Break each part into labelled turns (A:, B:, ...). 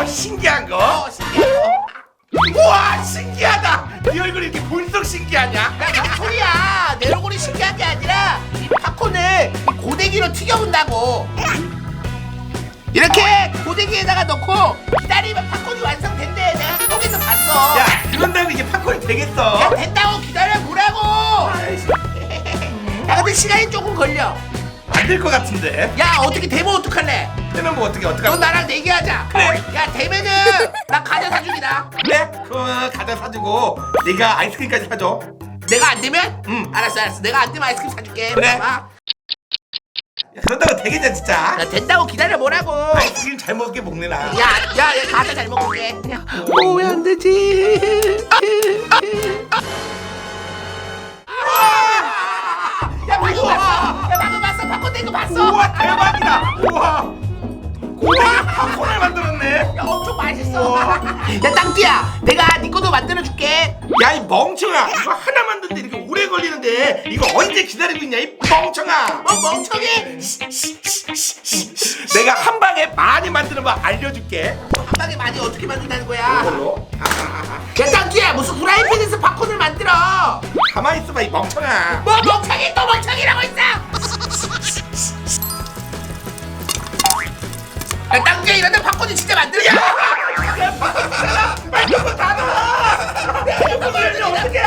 A: 신기한 거?
B: 신기한 거.
A: 우와 신기하다. 네 얼굴이 이렇게 볼록 신기하냐?
B: 야, 무슨 소리야? 내 얼굴이 신기한 게 아니라 이 팝콘을 이 고데기로 튀겨본다고. 이렇게 고데기에다가 넣고 기다리면 팝콘이 완성된대. 내가 속에서 봤어.
A: 야 그런다고 이게 팝콘이 되겠어?
B: 야, 된다고 기다려보라고. 야, 근데 시간이 조금 걸려.
A: 안 될 것 같은데.
B: 야, 어떻게 되면 어떡할래?
A: 되면 뭐 어떻게
B: 너 나랑 내기하자.
A: 그래.
B: 야, 되면은 나 과자 사주기다.
A: 그래? 그럼 과자 사주고 네가 아이스크림까지 사줘.
B: 내가 안 되면?
A: 응.
B: 알았어. 내가 안 되면 아이스크림 사줄게.
A: 그래.
B: 봐봐.
A: 야, 그런다고 되겠냐 진짜?
B: 야, 된다고 기다려보라고.
A: 아이스크림 잘 먹게 먹네 나.
B: 야, 과자 잘 먹을게. 왜 안 되지? 야, 방금 봤어. 야, 방금 봤어. 팝콘 된 거 봤어.
A: 우와 대박이다. 우와 고데기 팝콘을 만들었네.
B: 야, 엄청 맛있어. 야, 땅띠야, 내가 네 것도 만들어줄게.
A: 야 이 멍청아 이거 하나 만드는데 이렇게 오래 걸리는데 이거 언제 기다리고 있냐 이 멍청아.
B: 멍청이.
A: 내가 한 방에 많이 만드는 법 알려줄게.
B: 한 방에 많이 어떻게 만든다는 거야?
A: 이걸로
B: 야, 땅띠야, 무슨 프라이팬에서 팝콘을 만들어?
A: 가만히 있어봐 이 멍청아.
B: 뭐 멍청이 또 멍청이라고 있어? 야, 땅띠야, 이런데 팝콘이 진짜 만들어?
A: 말도 다 넣어. 어떻게?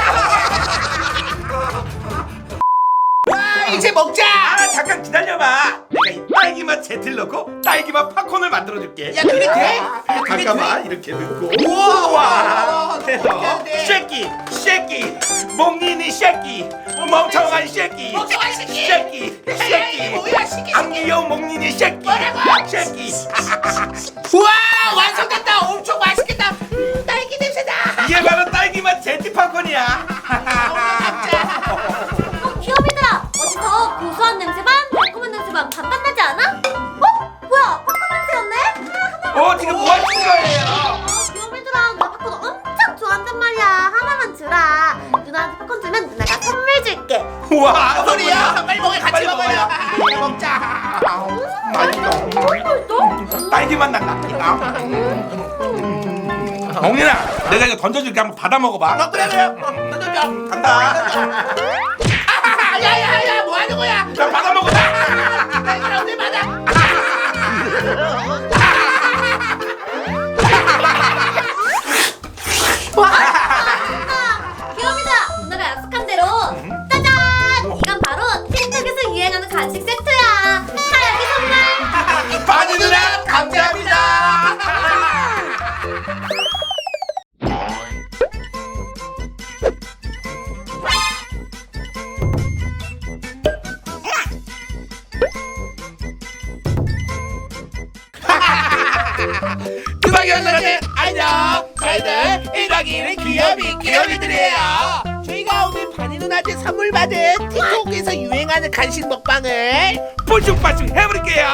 B: 와, 이제 먹자.
A: 아 잠깐 기다려봐. 내가 이 딸기맛 제틀 넣고 딸기맛 팝콘을 만들어줄게.
B: 야, 그게 돼? 야, 그게
A: 잠깐만
B: 돼?
A: 이렇게 넣고
B: 우와,
A: 해서
B: 돼.
A: 쉐끼 몽니니 쉐끼 멍청한 쉐끼
B: 멍청한 새끼.
A: 쉐끼
B: 야, 이게 뭐야, 새끼.
A: 안 귀여운 몽니니 쉐끼
B: 뭐라고?
A: 쉐끼.
B: 우와, 완성됐다. 엄청 맛있겠다. 딸기 냄새다.
A: 이게 바로 딸기맛 제티 팝콘이야.
C: 귀염이들아! 어디서 고소한 냄새만 달콤한 냄새만 반반 나지 않아? 어? 뭐야? 팝콘 냄새였네?
A: 지금 뭐 하시는 거예요?
C: 귀염이들아, 나 팝콘 엄청 좋아한단 말이야. 하나만 주라. 누나한테 팝콘 주면 누나가 선물 줄게.
A: 우와
B: 무슨 소리야? 빨리 먹어. 같이
A: 빨리
B: 먹어요.
A: 먹어요.
B: 빨리 먹자.
A: 맛있어. 딸기맛 난다. 몽니나 내가 이거 던져줄게. 한번 받아 먹어봐.
B: 그래. 던져줘.
A: 간다.
B: 야야야, 뭐 하는 거야?
A: 자 받아 먹어.
B: 나 이걸 언제 받아?
C: 귀염이들아, 누나가 약속한 대로 짜잔! 이건 바로 틱톡에서 유행하는 간식 세트야. 다 여기 선물.
B: 바니 누나 감사합니다. 그박이 언니들 안녕. 저희들 1박 2일의 귀요미들이에요. 저희가 오늘 바니 누나한테 선물 받은 틱톡에서 유행하는 간식 먹방을
A: 뽀슝빠슝 해버릴게요.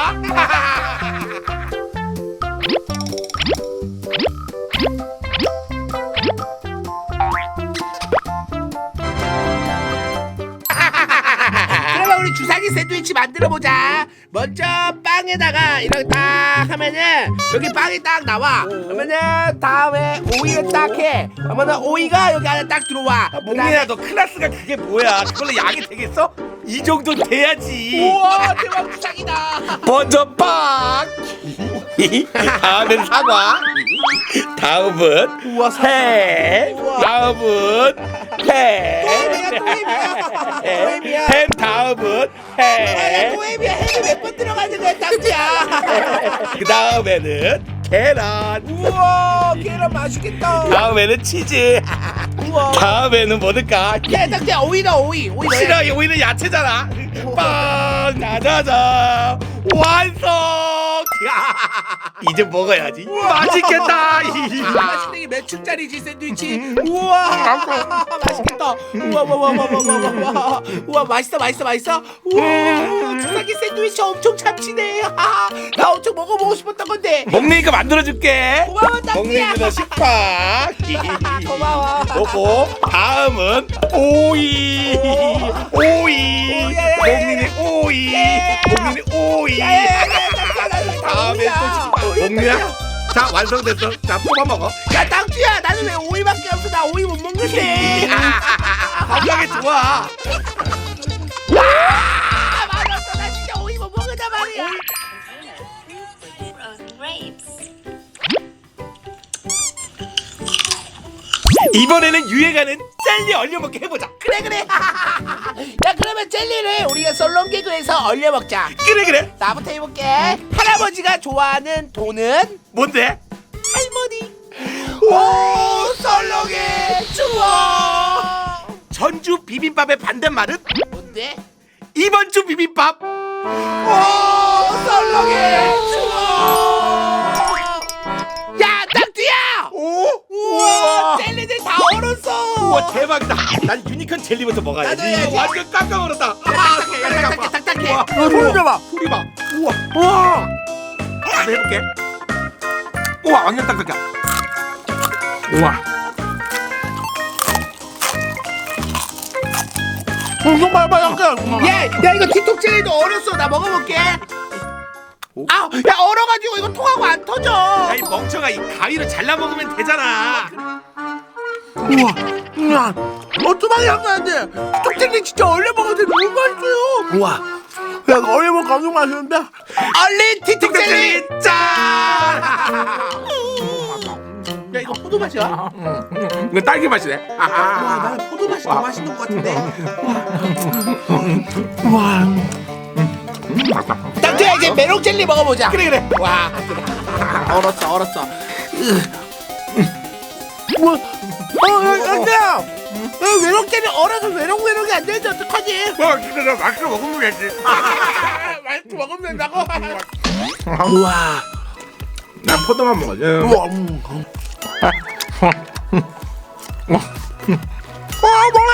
B: 그러면 우리 주사기 샌드위치 만들어보자. 먼저 빵에다가 이렇게 딱 하면은 여기 빵이 딱 나와. 그러면은 다음에 오이를 딱 해. 그러면은 오이가 여기 안에 딱 들어와.
A: 몽니야 너 클래스가 그게 뭐야? 그걸로 약이 되겠어? 이 정도 돼야지.
B: 우와, 대박 주사기다.
A: 먼저 빵. 다음은 사과. 다음은
B: 우와,
A: 햄.
B: 우와.
A: 다음은 햄.
B: 또 햄이야.
A: 햄 다음은 햄.
B: 또햄이야. 햄이 몇 번 들어가는 거야, 땅지야.
A: 그 다음에는 계란.
B: 우와, 계란 맛있겠다.
A: 다음에는 치즈.
B: 우와.
A: 다음에는 뭐 넣을까?
B: 야, 땅지야, 오이다, 오이. 오이 넣어야지.
A: 싫어, 이 오이는 야채잖아. 빵, 짜자자, 완성. 이제 먹어야지. 맛있겠다.
B: 맛있는 게 몇 층짜리지 샌드위치? 우와, 맛있겠다. 우와, 우와, 맛있어. 우와, 주사기 샌드위치 엄청 참치네. 나 엄청 먹어보고 싶었던 건데.
A: 먹니까 만들어줄게.
B: 고마워, 땅지야.
A: 먹니까 식빵.
B: 고마워.
A: 먹고 다음은 오이. 오이.
B: 예.
A: 먹니는 오이.
B: 예.
A: 먹니는 오이.
B: 야,
A: 다음에 또 식빵. 먹니야 자 완성됐어. 자 뽑아 먹어.
B: 야 땅쥐야 나는 왜 오이밖에 없어. 나 오이 못 먹는데.
A: 건강에 좋아.
B: 맞았어. 나 진짜 오이 못 먹는단 말이야.
A: 이번에는 유행하는 젤리 얼려먹기 해보자.
B: 그래. 야 그러면 젤리를 우리가 썰렁개그에서 얼려 먹자.
A: 그래.
B: 나부터 해볼게. 할아버지가 좋아하는 돈은
A: 뭔데?
B: 할머니. 오 썰렁해 추워.
A: 전주 비빔밥의 반대말은?
B: 뭔데?
A: 이번 주 비빔밥.
B: 오 썰렁해 추워. 야 땅쥐야.
A: 오?
B: 우와 젤리들 다 얼었어.
A: 우와 대박이다. 난 유니콘 젤리부터 먹어야지.
B: 나도 해야지.
A: 완전 깜짝 놀랐다.
B: 딱딱해.
A: 우와.
B: 소리 좀 봐.
A: 소리 봐. 우와. 나도 해볼게. 우와 완전 딱딱해. 우와.
B: 엄청 말빨갛게. 야 이거 틱톡 젤리도 얼었어. 나 먹어볼게. 야 얼어가지고 이거 통하고 안 터져.
A: 야 이 멍청아 이 가위로 잘라 먹으면 되잖아.
B: 우와 어쩌면 향나는데 틱톡 젤리 진짜 얼려 먹어도 너무 맛있어요.
A: 우와.
B: 야 이거 얼려 먹으면 엄청 맛있는데. 얼린 틱톡 젤리.
A: 짠.
B: 야 이거 포도 맛이야?
A: 이거 딸기 맛이네.
B: 와 나는 포도 맛이 더 맛있는 것 같은데. 땅쥐야 이제 메론 젤리 먹어보자.
A: 그래.
B: 와 그래. 얼었어. 뭐? 땅쥐야. 메론 젤리 얼어서 메롱이 안 되는데 어떡하지?
A: 진짜 맛있게 먹으면 되지.
B: 맛있게 먹으면 된다고?
A: 우와. 난 포도만 먹어줘.
B: 우와.
A: 머리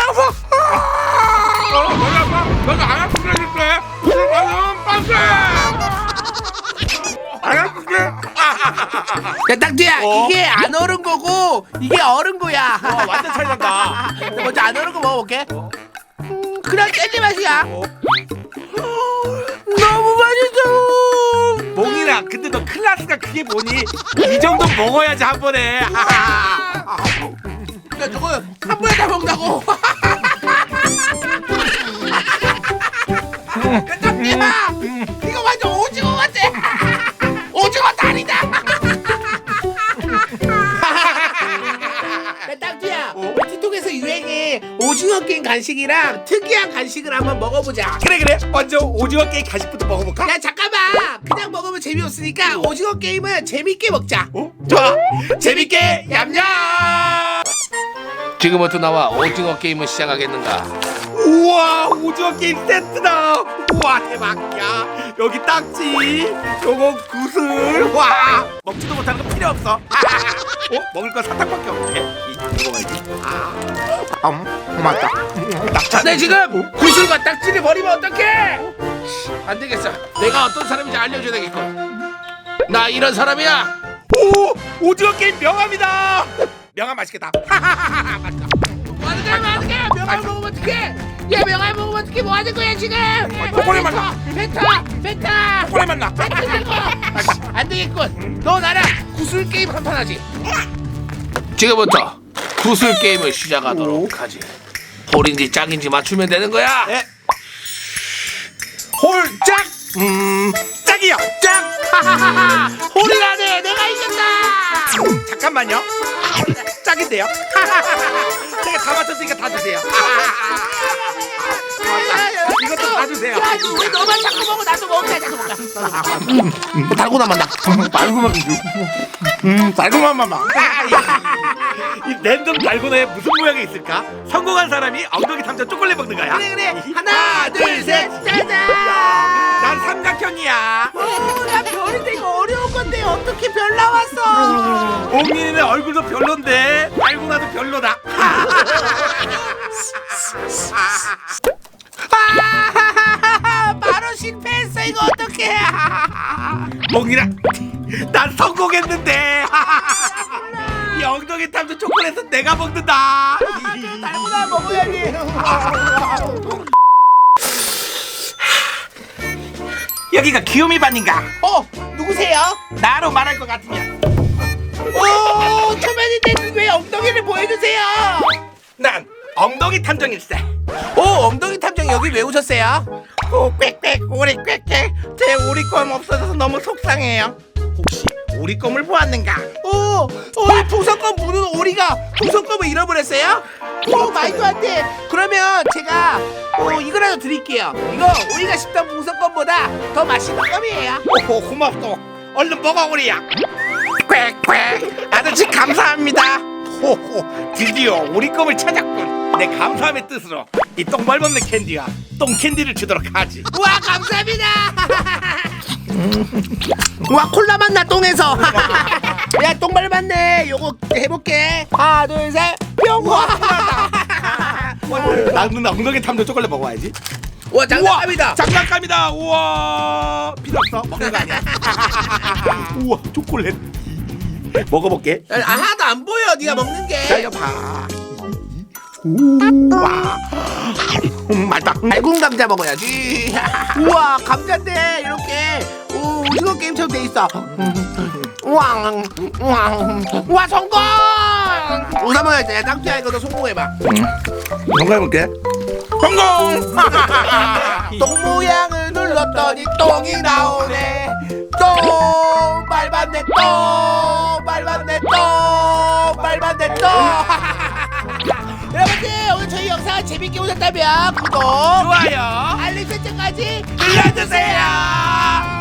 A: 아파. 너가 안 아프게 해줄게. 오늘 방금 빵세. 안 아프게.
B: 야 땅쥐야 이게 안 얼은 거고 이게 얼은 거야.
A: 완전 차이 난다.
B: 먼저 안 얼은 거 먹어볼게. 그냥 젤리 맛이야. 너무 맛있어.
A: 몽이라 근데 너 클라스가 그게 뭐니? 이 정도 먹어야지 한 번에.
B: 야 저거 한 번에 다 먹는다고. 야 땅쥐야 이거 완전 오징어 같아. 오징어 다리다. 야 땅쥐야 우리 틱톡에서 유행해 오징어 게임 간식이랑 특이한 간식을 한번 먹어보자.
A: 그래. 먼저 오징어 게임 간식부터 먹어볼까?
B: 야 잠깐만 그냥 먹으면 재미없으니까 오징어 게임은 재밌게 먹자.
A: 좋아. 재밌게 얌얌.
B: 지금부터 나와 오징어 게임을 시작하겠는가.
A: 우와 오징어 게임 세트다. 우와 대박이야. 여기 딱지, 요거 구슬. 와 먹지도 못하는 거 필요 없어. 먹을 건 사탕밖에 없네. 이거 먹어야지. 맞다.
B: 자네 지금 구슬과 딱지를 버리면 어떡해? 안 되겠어. 내가 어떤 사람인지 알려줘야 되겠군. 나 이런 사람이야.
A: 오 오징어 게임 명함이다. 명함 맛있겠다. 맛있다.
B: 어떡해 명함 먹으면 어떡해. 야 명함 먹으면 어떡해. 뭐 하는 거야 지금.
A: 초콜릿 맛나.
B: 펜타
A: 초콜릿 맛나.
B: 안 되겠군. 너 나랑 구슬 게임 한 판 하지. 지금부터 구슬 게임을 시작하도록 하지. 홀인지 짝인지 맞추면 되는 거야.
A: 네. 홀짝. 짝이요. 짝.
B: 홀이라네. 내가 이겼다.
A: 잠깐만요. 짝인데요. 제가 다 맞췄으니까 다 주세요. 이것도 다 주세요.
B: 야, 왜 너만 자꾸 먹어? 나도 먹자. 자꾸 먹자. 달고나 만다.
A: 달고나 주. 달고나만 봐. 이 랜덤 달고나에 무슨 모양이 있을까? 성공한 사람이 엉덩이 탐정 초콜릿 먹는 거야.
B: 그래. 하나, 둘, 셋, 짜잔.
A: 난 삼각형이야.
B: 나 별인데 이거 어려운 건데 어떻게 별 나왔어?
A: 옹민이는 얼굴도 별론데 달고나도 별로다.
B: 바로 실패했어. 이거 어떡해.
A: 몽이라 난 성공했는데. 이 엉덩이 탐정 초콜릿은 내가 먹는다.
B: 달고나 먹어야지.
A: 여기가 귀요미 반인가?
B: 누구세요?
A: 나로 말할 것 같으면
B: 오, 초면인데 왜 엉덩이를 보여주세요?
A: 난 엉덩이 탐정일세.
B: 오, 엉덩이 탐정 여기 왜 오셨어요?
A: 오 꽥꽥 오리 꽥꽥. 제 오리껌 없어져서 너무 속상해요. 혹시 오리껌을 보았는가?
B: 오, 이 풍선껌 무는 오리가 풍선껌을 잃어버렸어요? 오, 말도 안 돼. 그러면 제가 이거라도 드릴게요. 이거 오리가 씹던 풍선껌보다 더 맛있는 껌이에요.
A: 오호 고맙소. 얼른 먹어 오리야. 꽥꽥. 아저씨 감사합니다. 호호 드디어 오리껌을 찾았군. 내 감사함의 뜻으로 이 똥말없는 캔디와 똥캔디를 주도록 하지.
B: 우와, 감사합니다. 와, 콜라 맛나 똥에서. 야, 똥발 맞네. 요거 해볼게. 하나, 둘, 셋. 뿅. 와.
A: 나는 엉덩이 탐정 초콜릿 먹어야지.
B: 와, 장난감이다.
A: 장난감이다. 우와 필요 없어. 먹는 거 아니야. 우와 초콜릿. 먹어볼게.
B: 하나도 안 보여. 네가 먹는 게.
A: 자 이거 봐. 우와 맛있다.
B: 달군 감자 먹어야지. 우와, 감자인데 이렇게 오징어 게임처럼 돼 있어. 우왕 우왕. 우와, 성공. 우사 먹어야 돼. 땅뚜야, 이거 너 성공해봐.
A: 건강해볼게. 성공.
B: 똥 모양을 눌렀더니 똥이 나오네. 똥 밟았네. 똥 밟았네. 똥 밟았네. 똥. 여러분들, 오늘 저희 영상 재밌게 보셨다면 구독,
A: 좋아요.
B: 알림 설정까지
A: 눌러주세요.